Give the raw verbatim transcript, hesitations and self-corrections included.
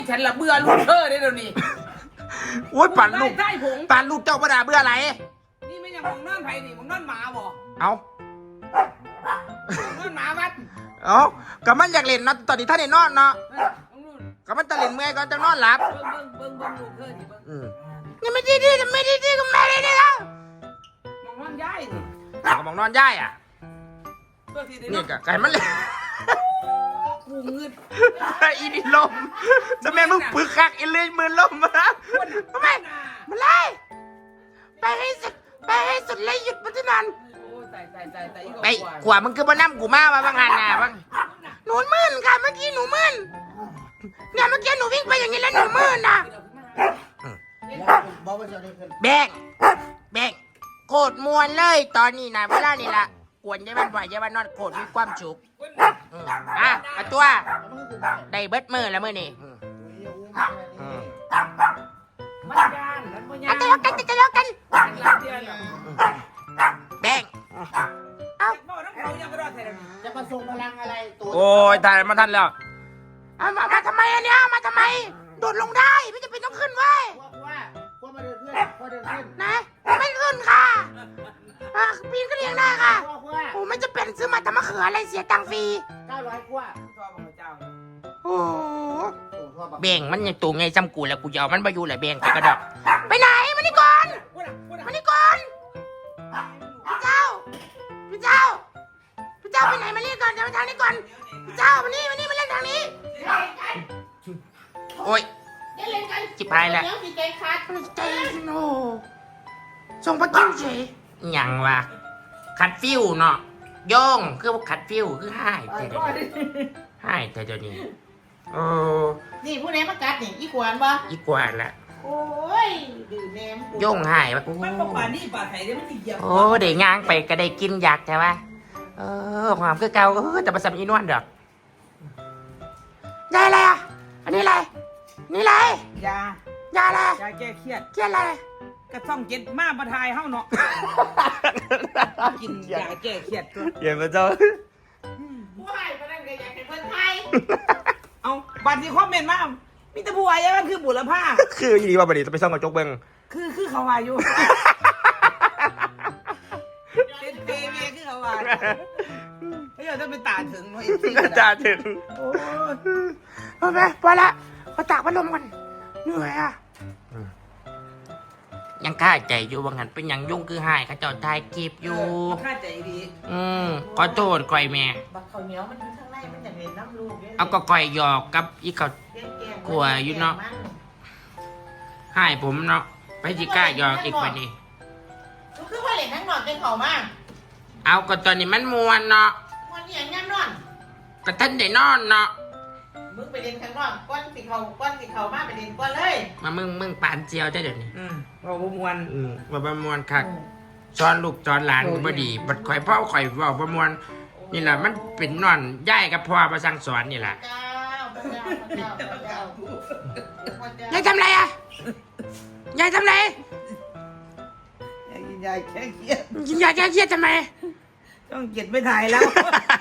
ฉันละเบื่อลูกเธอได้เดี๋ยวนี้โอ้ยปั่นลูกใช่ผงปั่นลูกเจ้าประดาเบื่ออะไรนี่ไม่ยังของนอนไผ่นี่ของนอนหมาบ่เอานอนหมาวัดเอาก็มันอยากเล่นเนาะตอนนี้ท่านได้นอนเนาะก็มันจะเล่นเมื่อยก็จะนอนหลับเบิ้งเบิ้งเบิ้งเบิ้งลูกเธอนี่เบิ้งอืมยังไม่ดีดียังไม่ดีดีก็ไม่ได้ดีแล้วมองนอนย้ายนี่ก็มองนอนย่ายอ่ะตัวที่ได้นี่ก็ไก่มันเลยกูเงินอีนี่ลมจะแม่มึงปึกคักอีเลยมือลมมาทำไมมันไล่ไปให้สุดไปให้สุดเลยหยุดมันที่นั่นโอ้ตายตายตายตายไปกว่ามึงคือบ่น้ำกูมาว่าบางหันน่ะบางหนูมื่นค่ะเมื่อกี้หนูมื่นเนี่ยเมื่อกี้หนูวิ่งไปอย่างนี้แล้วหนูมื่นน่ะแบงแบงโกรธมวนเลยตอนนี้นะเวลานี่ละกวนยายบ้านบ่อยยายบ้านนอนโกรธมีความสุขอ่ะมาตัวได้เบิดมือแล้วมือนี่มันยานมันยาอ่ะนทะเลาะกันทะเลาะกันรักเดียวเนี่ยแบงเอาบอกน้ำเขายังไม่รอดใส่แล้วนี่จะมาส่งพลังอะไรตัวโอ้ยตายมาทันแล้วเอามามาทำไมอันเนี้ยมาทำไมโดดลงได้ไม่จำเป็นต้องขึ้นเว้ยว่าว่าว่ามาเดินขึ้นว่าเดินขึ้นนะไม่ขึ้นค่ะอ่ะปีนก็เลี้ยงได้ค่ะว่าว่าโอ้ไม่จะเป็นซื้อมาทำมะเขืออะไรเสียตังค์ฟรีเก้าร้อยกว่าชอบของเจ้าโอ้โอ้ทั่วบักเบ่งมันยังตัวไงจำกูแล้วกูจะเอามันไปอยู่แหละเบ่งไปกระดอกไปไหนมานี่ก่อนพูดอ่ะพูดอ่ะมานี่ก่อนพี่เจ้าพี่เจ้าพี่เจ้าไปไหนมานี่ก่อนเดี๋ยวมาทางนี้ก่อนพี่เจ้ามานี่มานี่มาเล่นทางนี้โอ้ยเดี๋ยวเล่นกันจิบหายแล้วเดี๋ยวจิตใจขาดใจโนส่งปลากิ้วเฉยหยังวะขัดฟิวเนาะโย่งคือขัดฟิวคือหายแต่เดี๋ยวนี้หายแต่เดี๋ยวนี้โอ้นี่ผู้ไหนมากัดนี่อีขวานบ่อีกว่าละโอ้ยดื่มแหนมกูโย่งหายปะโอ้มันป่านี่ป่าไทยเนี่ยมันติดเหยียบโอ้ได้ย่างไปก็ได้กินอยากใช่ปะเออความคือเก่าเออแต่ประสำอีนวลดอกได้อะไรอ่ะอันนี้อะไรนี่อะไรยายาอะไรยาแก้เครียดเกี่ยอะไรกระซ่องเจ็ดมาประทายเฮาเนาะกินยาแก้เครียดตัวเยี่ยมเจ้าผู้ให้มานั่นก็อยากให้เพิ่นไทยเอาบัตรที่คอมเมนต์มามีแต่ผู้วายมันคือบุรพาคืออีดีว่าบัดนี้จะไปซ่องกระจกเบิ้งคือคือเขาวาอยู่เป็นเปเมคือเขาวาเฮ้ยเราเป็นตาถึงเนาะจ้าถึงโอ้ยโอเคพอละเขาตากพัดลมกันเหนื่อยอ่ะยังข้าใจอยู่ว่างั้นเป็นยังยุ่งคือหายเขาเจ้าทายกีบอยู่ข้าใจดีอืมขอโทษก่อยแม่บักข้าวเหนียวมันอยู่ข้างในมันอยากเห็นน้ำลูกเนี่ยเอาก็ก่อยหยอกกับอีเขา กลัวอยู่เนาะ หายผมเนาะไปจิกล้าหยอกอีกวันนี้ก็คือว่าเล่นทั้งนอนเป็นเขามากเอาก็ตอนนี้มันมวนเนาะวันนี้อย่างงั้นนอนก็ท่านได้นอนเนาะมึงไปเล่นข้างนอกก้อนสิเขาก้อนสิเขามาไปเล่นก้อนเลยมามึงมึงปานเจียวได้เดี๋ยวนี้อืมเราบมวนอืมว่าประมวลคักซ้อนลูกซ้อนหลานก็บ่ดีบัดข่อยพ่อข่อยเว่าประมวลนี่แหละมันเป็นนอนย่ายกับพ่อมาสั่งสอนนี่แหละเจ้าพระเจ้าพระเจ้าพระเจ้าพระเจ้ายายทำไรอ่ะยายทำไรกินยาแก้เครียดกินยาแก้เครียดทำไมต้องเก็บไม่ถ่ายแล้ว